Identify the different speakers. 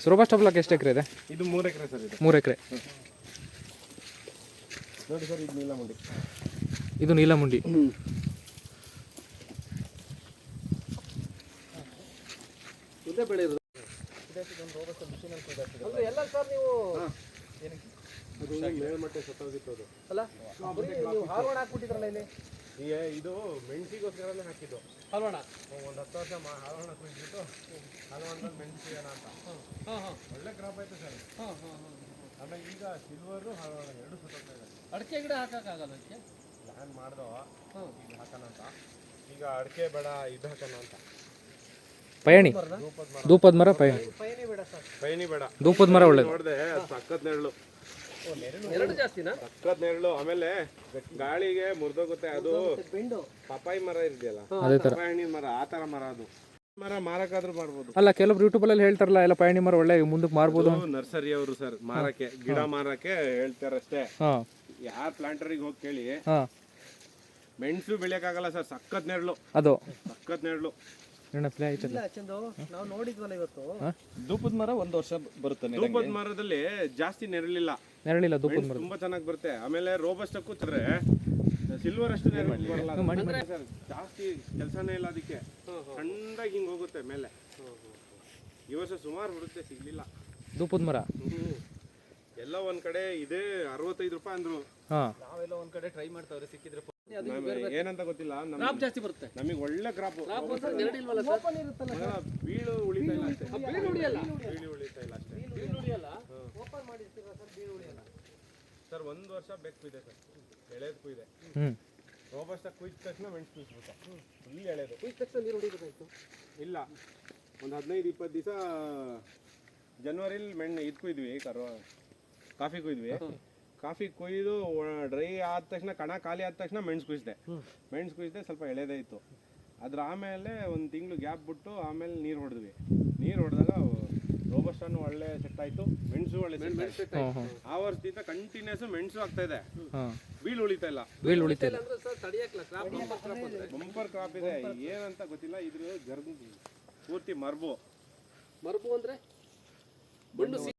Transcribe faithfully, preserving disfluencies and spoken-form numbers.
Speaker 1: Robusta block ಎಷ್ಟು ಎಕರೆ ಇದೆ?
Speaker 2: ಇದು ಮೂರು ಎಕರೆ ಸರ್. ಇದು
Speaker 1: ಮೂರು ಎಕರೆ
Speaker 2: ನೋಡಿ ಸರ್. ಇದು ನೀಲಮುಂಡಿ.
Speaker 1: ಇದು ನೀಲಮುಂಡಿ.
Speaker 3: ಇದೇ ಬೆಳೆಯೋದು ಎಲ್ಲ ಸರ್. ನೀವು
Speaker 2: ಮೇಲ್ಮಟ್ಟೆ ಸತ್ತೋಗಿತ್ತು ಅದು
Speaker 3: ಅಲ್ಲ, ನೀವು ಹಾರ್ವಣ ಹಾಕ್ಬಿಟ್ಟಿದ್ರಲ್ಲ ಇಲ್ಲಿ.
Speaker 2: ಈಗ ಇದು ಮೆಣಸಿಗೋಸ್ಕರನೇ ಹಾಕಿದ್ದು
Speaker 3: ಹಾರ್ವಣ.
Speaker 2: ಒಂದು ಹತ್ತು ವರ್ಷ ಮಾ ಹಾರ್ವಣ ಕುಯ್ಬಿಟ್ಟು ಹಾರ್ವಣದಲ್ಲಿ ಮೆಣಸಿಗೋಣ ಅಂತ.
Speaker 3: ಹಾಂ ಹಾಂ
Speaker 2: ಒಳ್ಳೆ ಕ್ರಾಪ್ ಆಯ್ತು ಸರ್.
Speaker 3: ಹಾಂ ಹಾಂ ಹಾಂ
Speaker 2: ಆಮೇಲೆ ಈಗ ಸಿಲ್ವರು ಹಾರ್ವಣ ಎರಡು ಸತ್ತೋಗ್ತಾ ಇದೆ.
Speaker 3: ಅಡಿಕೆ ಗಿಡ ಹಾಕೋಕ್ಕಾಗಲ್ಲ ಅದಕ್ಕೆ.
Speaker 2: ಪ್ಲ್ಯಾನ್ ಮಾಡ್ದೋ
Speaker 3: ಹಾಂ
Speaker 2: ಈಗ ಹಾಕೋಣ ಅಂತ. ಈಗ ಅಡಿಕೆ ಬೇಡ ಇದು ಹಾಕೋಣ ಅಂತ.
Speaker 1: ಪಯಣಿ, ಧೂಪದ ಮರ, ಪಯಣಿ.
Speaker 3: ಪಯಣಿ ಬೇಡ ಸರ್.
Speaker 2: ಪೈನಿ ಬೇಡ,
Speaker 1: ಧೂಪದ ಮರ ಒಳ್ಳೇದು.
Speaker 2: ನೋಡಿದೆ ಸಕ್ಕತ್ ನೆರಳು,
Speaker 3: ಎರಡು ಜಾಸ್ತಿನಾ?
Speaker 2: ಸಕ್ಕತ್ ನೆರಳು. ಆಮೇಲೆ ಗಾಳಿಗೆ ಮುರಿದೋಗುತ್ತೆ ಅದು.
Speaker 3: ಬೆಂಡು
Speaker 2: ಪಪಾಯಿ ಮರ ಇದೆಯಲ್ಲ,
Speaker 1: ಅದೇ ಥರ
Speaker 2: ಪಪಾಯಿ ಹಣ್ಣಿನ ಮರ, ಆ ಥರ ಮರ ಅದು. ಮರ ಮಾರಕ್ಕಾದ್ರೂ ಮಾಡ್ಬೋದು.
Speaker 1: ಅಲ್ಲ, ಕೆಲವೊಬ್ರು ಯೂಟ್ಯೂಬಲ್ಲಿ ಹೇಳ್ತಾರಲ್ಲ ಎಲ್ಲ ಪಯಣಿ ಮರ ಒಳ್ಳೆ ಮುಂದಕ್ಕೆ ಮಾರ್ಬೋದು.
Speaker 2: ನರ್ಸರಿ ಅವರು ಸರ್ ಮಾರಕ್ಕೆ, ಗಿಡ ಮಾರಕ್ಕೆ ಹೇಳ್ತಾರಷ್ಟೇ.
Speaker 1: ಹಾಂ,
Speaker 2: ಯಾರ ಪ್ಲಾಂಟರಿಗೆ ಹೋಗಿ ಕೇಳಿ.
Speaker 1: ಹಾಂ,
Speaker 2: ಮೆಣಸು ಬೆಳೆಯಕ್ಕಾಗಲ್ಲ ಸರ್, ಸಕ್ಕತ್ ನೆರಳು,
Speaker 1: ಅದು
Speaker 2: ಸಕ್ಕತ್ ನೆರಳು.
Speaker 3: ಇಲ್ಲ ಚಂದು, ನಾವು ನೋಡಿದ್ವಲ್ಲ ಇವತ್ತು.
Speaker 4: ಧೂಪದ ಮರ ಒಂದು ವರ್ಷ ಬರುತ್ತೆ.
Speaker 2: ಧೂಪದ ಮರದಲ್ಲಿ ಜಾಸ್ತಿ ನೆರಳಿಲ್ಲ,
Speaker 1: ನೆರಳಿಲ್ಲ ಧೂಪದ ಮರ.
Speaker 2: ತುಂಬಾ ಚೆನ್ನಾಗಿ ಬರುತ್ತೆ. ಆಮೇಲೆ ರೋಬಸ್ಟ ಕೂತ್ರೆ ಸಿಲ್ವರ್ ಅಷ್ಟು ನೆರಳು ಬರಲ್ಲ ಸರ್. ಜಾಸ್ತಿ ಕೆಲಸನೇ ಇಲ್ಲ ಅದಕ್ಕೆ, ಸಣ್ಣದಾಗಿ ಹಿಂಗೆ ಹೋಗುತ್ತೆ ಮೇಲೆ. ಈ ವರ್ಷ ಸುಮಾರು ಬರುತ್ತೆ, ಸಿಗ್ಲಿಲ್ಲ
Speaker 1: ಧೂಪದ ಮರ.
Speaker 2: ಎಲ್ಲ ಒಂದ್ ಕಡೆ ಇದೆ ಅರವತ್ತೈದು ರೂಪಾಯಿ ಅಂದ್ರು.
Speaker 1: ಹಾಂ,
Speaker 4: ನಾವೆಲ್ಲ ಒಂದ್ ಕಡೆ ಟ್ರೈ ಮಾಡ್ತಾವ್ರೆ, ಸಿಕ್ಕಿದ್ರೆ
Speaker 2: ಏನಂತ ಗೊತ್ತಿಲ್ಲ.
Speaker 3: ಕ್ರಾಪ್ ಜಾಸ್ತಿ ಬರುತ್ತೆ.
Speaker 2: ನಮಗೆ ಒಳ್ಳೆ ಕ್ರಾಪ್.
Speaker 3: ನೆರಳಿಲ್ವಲ್ಲ ಸರ್. ಓಪನ್ ಇರುತ್ತಲ್ಲ
Speaker 2: ಬೀಳು ಉಳಿತಾ ಇಲ್ಲ ಅಷ್ಟೇ.
Speaker 3: ಬೀಳು ಉಳಿಯಲ್ಲ.
Speaker 2: ಬೀಳು ಉಳಿತಾ ಇಲ್ಲ ಅಷ್ಟೇ.
Speaker 3: ಬೀಳು ಉಳಿಯಲ್ಲ. ಓಪನ್ ಮಾಡಿರ್ತೀರಾ ಸರ್, ಬೀಳು ಉಳಿಯಲ್ಲ
Speaker 2: ಸರ್. ಒಂದು ವರ್ಷ ಬೇಕು ಇದೆ ಸರ್, ಎಳೆದು ಕುಯ್ದೆ.
Speaker 1: ಹ್ಞೂ,
Speaker 2: ರೋಬಸ್ಟ ಕುಯ್ದ ತಕ್ಷಣ ಮೆಣಸು ಕುಯ್ಸ್ಬಿಟ್ಟು ಫುಲ್ ಎಳೆದು.
Speaker 3: ಕುಯ್ದ ತಕ್ಷಣ ನೀರು ಹೊಡಿಬೇಕಾಯ್ತು.
Speaker 2: ಇಲ್ಲ, ಒಂದು ಹದಿನೈದು ಇಪ್ಪತ್ತು ದಿವಸ ಜನವರಿಲಿ ಮೆಣ್ಣು ಇದು ಕುಯ್ದ್ವಿ, ಕರೋ ಕಾಫಿ ಕುಯ್ದ್ವಿ. ಕಾಫಿ ಕೊಯ್ದು ಡ್ರೈ ಆದ ತಕ್ಷಣ, ಕಣ ಖಾಲಿ ಆದ ತಕ್ಷಣ ಮೆಣಸು ಕುಯ್ಸಿದೆ. ಮೆಣಸು ಕುಯ್ಸಿದೆ, ಸ್ವಲ್ಪ ಎಳೆದೇ ಇತ್ತು. ಅದ್ರ ಆಮೇಲೆ ಒಂದು ತಿಂಗಳು ಗ್ಯಾಪ್ ಬಿಟ್ಟು ಆಮೇಲೆ ನೀರು ಹೊಡೆದ್ವಿ. ನೀರು ಹೊಡೆದಾಗ ರೋಬಸ್ಟನ್ನು ಒಳ್ಳೆ ಸೆಟ್ ಆಯಿತು, ಮೆಣಸು ಒಳ್ಳೆ ಸೆಟ್ ಆಯಿತು. ಆ ವರ್ಷದಿಂದ ಕಂಟಿನ್ಯೂಸ್ ಮೆಣಸು ಆಗ್ತಾ ಇದೆ, ಬೀಳು ಉಳಿತಾ ಇಲ್ಲ.
Speaker 1: ಬೀಳು ಉಳಿತಾ ಇಲ್ಲ.
Speaker 2: ಬಂಪರ್ ಕ್ರಾಪ್ ಇದೆ, ಏನಂತ ಗೊತ್ತಿಲ್ಲ. ಇದ್ರ ಗರ್ಭ ಪೂರ್ತಿ ಮರ್ಬು.
Speaker 3: ಮರ್ಬು ಅಂದ್ರೆ